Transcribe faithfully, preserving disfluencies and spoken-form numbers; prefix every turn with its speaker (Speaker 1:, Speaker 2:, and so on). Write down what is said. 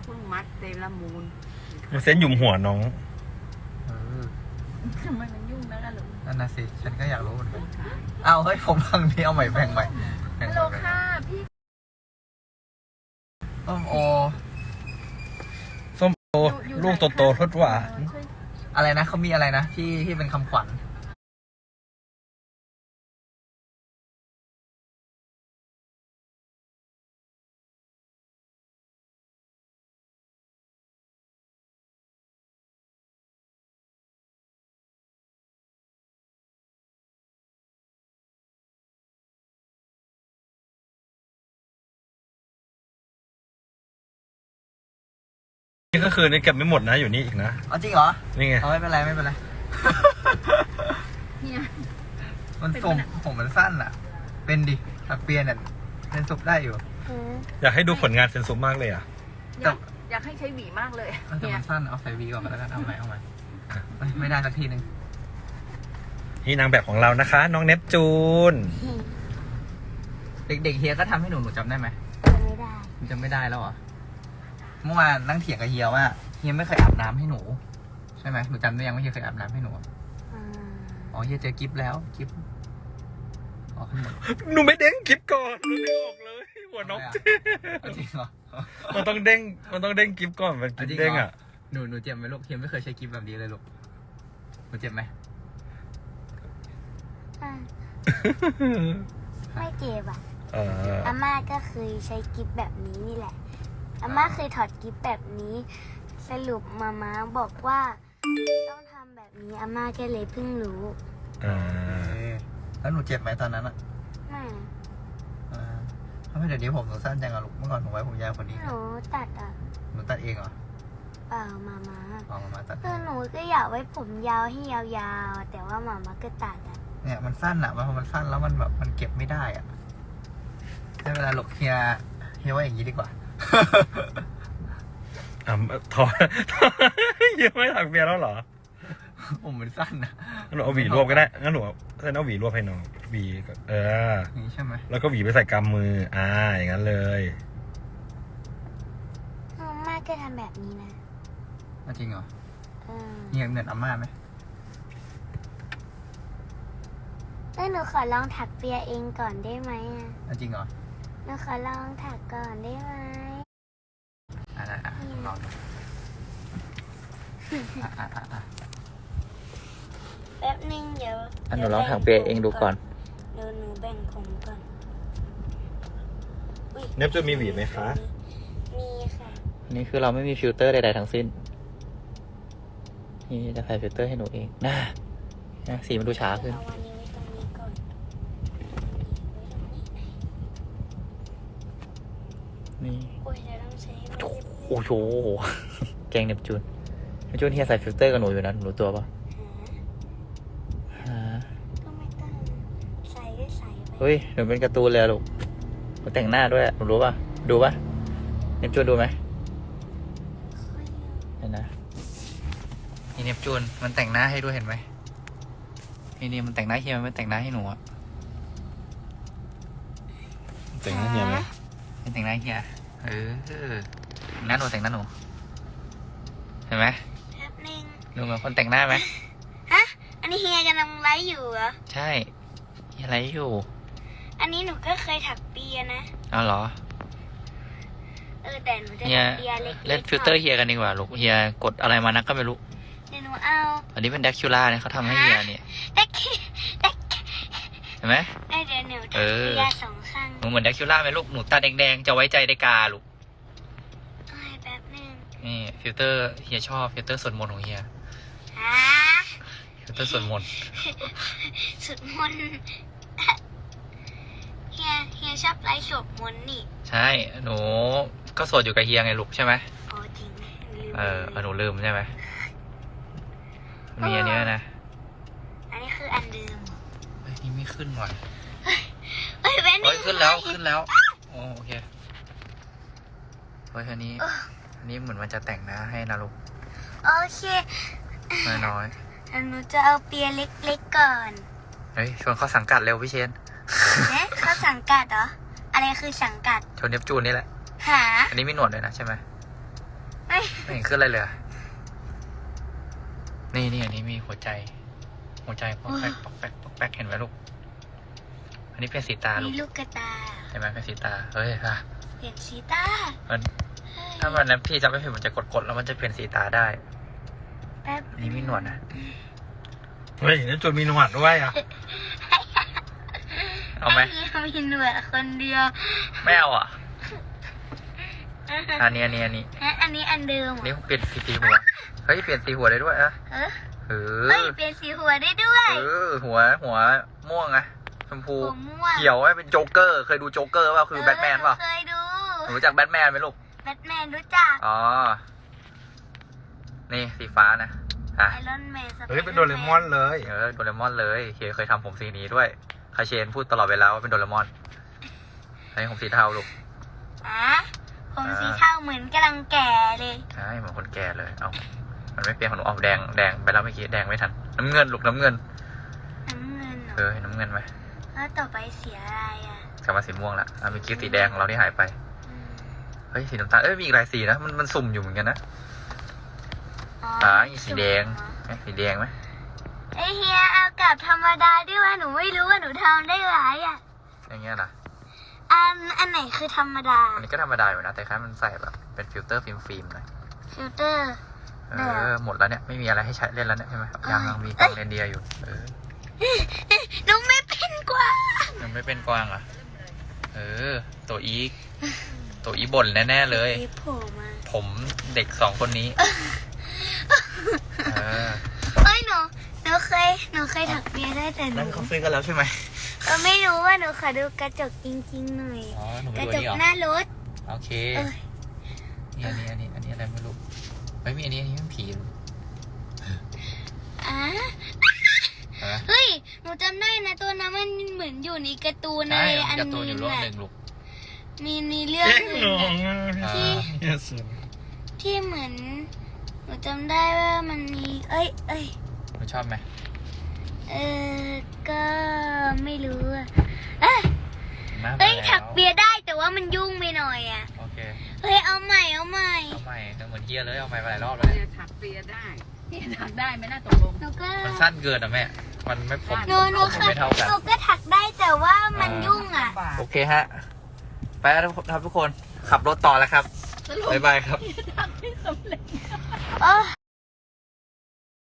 Speaker 1: พิ่งมัดเซรามูน
Speaker 2: เส้นหยุมหัวน้อง
Speaker 1: ทำไมมันยุ่งนะล่ะลูก
Speaker 3: นั่นน่ะสิฉันก็อยากรู้เหมือนกันเอาเฮ้ยผมทางนี้เอาใหม่แบ่งใหม่
Speaker 1: ฮัลโหลค่ะพี่
Speaker 3: ส้มโอ
Speaker 2: ส้มโอลูกโตๆรสหวาน
Speaker 3: อะไรนะเขามีอะไรนะที่ที่เป็นคำขวัญ
Speaker 2: นี่ก็คือนี่เก็บไม่หมดนะอยู่นี่อีกนะ
Speaker 3: อ๋อจริงเหรอ
Speaker 2: นี่ไง
Speaker 3: เอาไม่เป็นไรไม่เป็นไร
Speaker 1: เนี่ย
Speaker 3: มันผมผมมันสั้นอ่ะเป็นดิถักเปียเนี่ยเป็นสุกได้อยู่
Speaker 2: อยากให้ดูผลงานเซนซุมากเลยอ่ะ
Speaker 1: อยากอยากให้ใช้หวีมากเลย
Speaker 3: แต่มันสั้นเอาใส่วีก่อนก็แล้วกันเอาใหม่เอาใหม่ไม่ได้สักทีนึง
Speaker 2: นี่นางแบบของเรานะคะน้องเนปจูน
Speaker 3: เด็กๆเฮียก็ทำให้หนูหนูจำได้ไหม
Speaker 4: ไม่ได้
Speaker 3: จำไม่ได้แล้วเหรอเมื่อวานนั่งเถียงกับเฮียว่าเฮียไม่เคยอาบน้ำให้หนูใช่ไหมหนูจำได้ยังว่าเฮียเคยอาบน้ำให้หนูอ๋อเฮียเจอกิฟแล้วกิฟอ๋อขึ้นหมด
Speaker 2: หนูไม่เด้งกิฟก่อนหนูไม่ออกเลยหัวน้อง
Speaker 3: จริงเหรอ
Speaker 2: มันต้องเด้งมันต้องเด้งกิฟก่อนมันกิฟเด้งอ่ะ
Speaker 3: หนูหนูเจ็บไหมลูกเฮียไม่เคยใช้กิฟแบบนี้เลยลูกหนูเจ็บไหม
Speaker 4: ไม่เจ็บอ่ะอาม่าก็เคยใช้กิฟแบบนี้นี่แหละอาม่าเคยถอดกิฟแบบนี้สรุปมาม่าบอกว่าต้องทำแบบนี้อาม่าก็เลยเพิ่งรู้
Speaker 2: อ่า
Speaker 3: แล้วหนูเจ็บไหมตอนนั้นอ่ะ
Speaker 4: ไม่
Speaker 3: อ่าทำไมเดี๋ยวนี้ผมหนูสั้นจังอะลูกเมื่อก่อนผมไว้ผมยาวกว่านี้
Speaker 4: หนูตัดอ่ะ
Speaker 3: หนูตัดเองเหรอ
Speaker 4: เปล่ามาม่า
Speaker 3: อ๋อมาม่าตัด
Speaker 4: คือหนูก็อยากไว้ผมยาวให้ยาวๆแต่ว่ามาม่าก็ตัดอ่ะ
Speaker 3: เนี่ยมันสั้นอ่ะมันมันสั้นแล้วมันแบบมันเก็บไม่ได้อ่ะได้เวลาหลกเฮียเฮียว่าอย่างนี้ดีกว่า
Speaker 2: อ่ะถอดยังไม่ถักเบียร์แล้วเหรอ
Speaker 3: ผมมันสั้นนะ
Speaker 2: งั้นหนูเอาหวีรวบก็ได้งั้นหนูงั้นเอาหวีรวบให้น้องหวีเออ
Speaker 3: นี่ใช่ไหม
Speaker 2: แล้วก็หวีไปใส่กำมืออ่าอย่างนั้นเลย
Speaker 4: อาม่าก็ทำแบบนี้นะ
Speaker 3: จริงเหรอเฮียเหมือนอาม่าไหม
Speaker 4: แล้วหนูขอลองถักเปียเองก่อนได้ไหมอ่ะ
Speaker 3: จริงเหรอ
Speaker 4: หนูขอลองถักก่อนได้ไหม
Speaker 3: อะไรอ่ะลองดูอ่ะอ่ะอ่ะ
Speaker 4: แป๊บนึงเดี๋ยว
Speaker 3: อันหนูลองถักเปียเองดูก่อน
Speaker 4: เดี๋ยวหนูแบ่งผมก่อน
Speaker 2: เนปจะมีหวีไหมคะ
Speaker 4: มีค่ะ
Speaker 3: นี่คือเราไม่มีฟิลเตอร์ใดๆทั้งสิ้นนี่จะใส่ฟิลเตอร์ให้หนูเองน่าสีมันดูช้าขึ้นนี่โอ้โหแกงเนปจูนเนปจูนเฮียใส่ฟิลเตอร์กับหนูอยู่นะหนูรู้ตัวปะ
Speaker 4: ก็ไม่ต้องใส่ก็ใส่ไป
Speaker 3: เฮ้ยหนูเป็นการ์ตูนเลยลูกหนูแต่งหน้าด้วยหนูรู้ปะดูปะเนปจูนดูไหมเห็นนะนี่เนปจูนมันแต่งหน้าให้ด้วยเห็นไหมนี่นี่มันแต่งหน้าเฮียมันไม่แต่งหน้าให้หนูอะ
Speaker 2: แต่งหน้าเฮียไหม
Speaker 3: เป็นแต่งหน้าเฮียเออหน้าหนูแต่งหน้าหนูเห็นไหม
Speaker 4: แป๊บนึง
Speaker 3: ดูเหมือนคนแต่งหน้าไหม
Speaker 4: ฮะอันนี้เฮียกำลังไลฟ์อยู่เหรอ
Speaker 3: ใช่เฮียไลฟ์อยู่
Speaker 4: อันนี้หนูก็เคยถักเปียนะ
Speaker 3: อ้าวเหรอ
Speaker 4: เออแต่หนูจะถักเปียเล็ก
Speaker 3: ๆเล่นฟิลเตอร์เฮียกันดีกว่าลูกเฮียกดอะไรมานักก็ไม่รู้
Speaker 4: เดี๋ยวหนูเอา
Speaker 3: อันนี้เป็นดักคิวล่าเนี่ยเขาทำให้เฮียเนี่ย
Speaker 4: ดักดัก
Speaker 3: เห็นไหม
Speaker 4: เดี๋ยวหนูถักเปียสองข้าง
Speaker 3: หนูเหมือนดักคิวล่าไหมลูกหนูตาแดงๆจะไว้ใจได้กาลูก
Speaker 4: แป๊บนึง
Speaker 3: นี่ฟิลเตอร์เฮียชอบฟิลเตอร์สวดมนต์ของเฮียฟิลเตอร์สวดมนต์
Speaker 4: สวดมนต์เฮียเฮียชอบไลฟ์สวดมนต์นี่
Speaker 3: ใช่หนูก็สวดอยู่กับเฮียไงลูกใช่ไหม
Speaker 4: อ๋อจริง
Speaker 3: เออหนูลืมใช่ไหมมีอันนี้นะ
Speaker 4: อันนี้คืออันเดิม
Speaker 3: เฮ้ยนี่ไม่ขึ้นว่ะ
Speaker 4: เฮ้ยเว้น
Speaker 3: เฮ้ยขึ้นแล้วขึ้นแล้วโอเคเฮ้ยอันนี้อันนี้เหมือนมันจะแต่งหน้าให้นะลูก
Speaker 4: โอเค
Speaker 3: น้อย
Speaker 4: ๆหนูจะเอาเปียเล็กๆก่อน
Speaker 3: เฮ้ยชวนเขาสังกัดเร็วพี่เชน
Speaker 4: เนี่ยเขาสังกัดเหรออะไรคือสังกัด
Speaker 3: ชวนเนปจูนนี่แหละ
Speaker 4: หา
Speaker 3: อันนี้มีหนวดเลยนะใช่ไหม
Speaker 4: เอ้ย
Speaker 3: ไม่เห็นขึ้นอะไรเลยอะนี่นี่อันนี้มีหัวใจ หัวใจปอกแป๊กปอกแป๊กปอกแป๊กเห็นไหมลูก อันนี้เป็นสีตาลู
Speaker 4: มี
Speaker 3: ก
Speaker 4: ลูกกระตา
Speaker 3: เห็นไหมเป็นสีตา เฮ้ยค่ะ
Speaker 4: เปลี่ยนสีตา
Speaker 3: มันถ้ามันนั้นพี่จำไม่ผิดมันจะกดๆแล้วมันจะเปลี่ยนสีตาได้
Speaker 4: แป๊บ
Speaker 3: อันนี้มีหนวดนะ
Speaker 2: เฮ้ยนี่จุดมีหนวดด้วยอ่ะ
Speaker 3: เอาไหม
Speaker 4: อันนี้มีหนวดคนเดียว
Speaker 3: ไม่เอาอ่ะ อันนี้อันนี้อันนี้
Speaker 4: และอันนี้อันเดิมเหร
Speaker 3: นี่
Speaker 4: อ
Speaker 3: เปลี่ยนสีหัว เฮ้ยเปลี่ยนสีหัวได้ด้วยอะ
Speaker 4: เออ
Speaker 3: เอ
Speaker 4: เฮ้ย
Speaker 3: อ
Speaker 4: เปลี่ยนสีหัวได้ด้วย
Speaker 3: เออ หัว หัวม่วงอะชมพู
Speaker 4: หัวม่วง
Speaker 3: เขียวให้เป็นโจ๊กเกอร์ เคยดูโจ๊กเกอร์เปล่าคือแบทแมนเปล่า
Speaker 4: เคยดู
Speaker 3: หนูรู้จักแบทแมนไหมลูก
Speaker 4: แบทแมนรู้จัก
Speaker 3: อ๋อ นี่สีฟ้านะอ่ะ
Speaker 4: ไอรอนแมน
Speaker 2: เฮ้ยเป็นโดเรมอนเลย
Speaker 3: เออโดเรมอนเลยเคเคยทำผมสีนี้ด้วยคาเชนพูดตลอดเวลาว่าเป็นโดเรมอนอันนี้ผมสีเทาลูก
Speaker 4: อ่ะผมสีเทาเหมือนกำลังแก่เลย
Speaker 3: ใช่เหมือนคนแก่เลย เอามันไม่เปลี่ยนของหนูออกแดง แดงไปแล้วเมื่อกี้ แดงไม่ทัน น้ำเงินลูกน้ำเงิน
Speaker 4: น้ำเงินเหร
Speaker 3: เอ
Speaker 4: อ
Speaker 3: อเห็นน้ำเงินไหม
Speaker 4: แล้วต่อไปเสียอะไรอ่ะ
Speaker 3: กลับมาสีม่วงละอ่ะเมื่อกี้สีแดงของเราที่หายไป
Speaker 4: อืม
Speaker 3: เฮ้ยสีน้ำตาล เอ้ยมีอีกหลายสีนะ มันมันสุ่มอยู่เหมือนกันนะ
Speaker 4: อ๋อ
Speaker 3: อ่าอีสีแดงเอ๊ะสีแดงไหม
Speaker 4: ไอเฮียเอากลับธรรมดาด้วยว่าหนูไม่รู้ว่าหนูทำได้หลายอ่ะ
Speaker 3: อย่างเงี้ยนะ
Speaker 4: อันอันไหนคือธรรมดา
Speaker 3: อันนี้ก็ธรรมดาอยู่นะ แต่แค่มันใส่แบบเป็นฟิลเตอร์ฟิล์มฟิล์มหน่อย
Speaker 4: ฟิลเตอร์
Speaker 3: เออ หมดแล้วเนี่ย ไม่มีอะไรให้ใช้เล่นแล้วเนี่ยใช่ไหมยังยังมีกางเรนเดียร์อยู่ เออ
Speaker 4: หนูไม่เป็นกว่า
Speaker 3: ยังไม่เป็นกวางเหรอ่ะ เออ ตัวอีก ตัวอีบ่นแน่ๆเลย
Speaker 4: มีโผล่มา
Speaker 3: ผมเด็กสองคนนี้ เออ
Speaker 4: เอ้ยหนูหนูเคยหนูเคยถักเปียได้แต่หนู
Speaker 3: นั่นเขาซื้อกันแล้วใช่ไหม
Speaker 4: ก็ไม่รู้ว่าหนูขอดูกระจกจริงๆหน่อย
Speaker 3: อ๋อ หนูไป
Speaker 4: กระ
Speaker 3: ดู
Speaker 4: จ
Speaker 3: อัน
Speaker 4: ก
Speaker 3: นี้เหรอ
Speaker 4: หน้ารถ
Speaker 3: โอเค
Speaker 4: เอ้ย
Speaker 3: นี่อันนี้อันนี้อันนี้อะไรไม่รู้ไม่มีอันนี้อันนี้มันผี
Speaker 4: อ่ะ
Speaker 3: เออ
Speaker 4: เฮ้ยหนูจำได้นะตัวนั้นมันเหมือนอยู่ในการ์ตูนใน
Speaker 3: ใช่
Speaker 4: อัน
Speaker 3: การ์ตูนอ
Speaker 4: นี้
Speaker 3: ยู่โลก
Speaker 4: แหละ
Speaker 3: หนึ่งลูก
Speaker 4: มีมีเรื่อง
Speaker 2: เจ๊ง
Speaker 4: อื่
Speaker 2: หน
Speaker 4: น
Speaker 2: อง
Speaker 4: น่ะ
Speaker 2: อ่ะ
Speaker 4: ที่
Speaker 2: เนี่ยสุด
Speaker 4: ที่เหมือนหนูจำได้ว่ามันมีเอ้ยเอ้ย
Speaker 3: หนูชอบไหม
Speaker 4: เออก็ไม่รู้อะเอ้ย
Speaker 3: มา
Speaker 4: เอ้ย
Speaker 3: แล้ว
Speaker 4: ถักเปียได้แต่ว่ามันยุ่งไปหน่อยอ่ะ
Speaker 3: โอเค
Speaker 4: เฮ้ยเอาใหม่เอาใหม่
Speaker 3: เอาใหม่เหมือนเฮียเลย เอาใหม่ไปหลายรอบแล้ว
Speaker 1: เปี
Speaker 3: เนี่ย
Speaker 1: ยถักเปียได้นี่ถักได้ไหมน่าตกลง
Speaker 4: หนูก็
Speaker 3: มันสั้นเกินอ่ะแม่ มันไม่ผม
Speaker 4: หนูหนู
Speaker 3: ผม
Speaker 4: ค่ะ
Speaker 3: ไม่เท่ากัน
Speaker 4: หนูก็ถักได้แต่ว่ามันยุ่งอ่ะ
Speaker 3: โอเคฮะ ไปแล้วครับทุกคน ขับรถต่อแล้วครับ บ๊ายบายครับ
Speaker 1: ถักไม่สำเร็จ
Speaker 4: เออ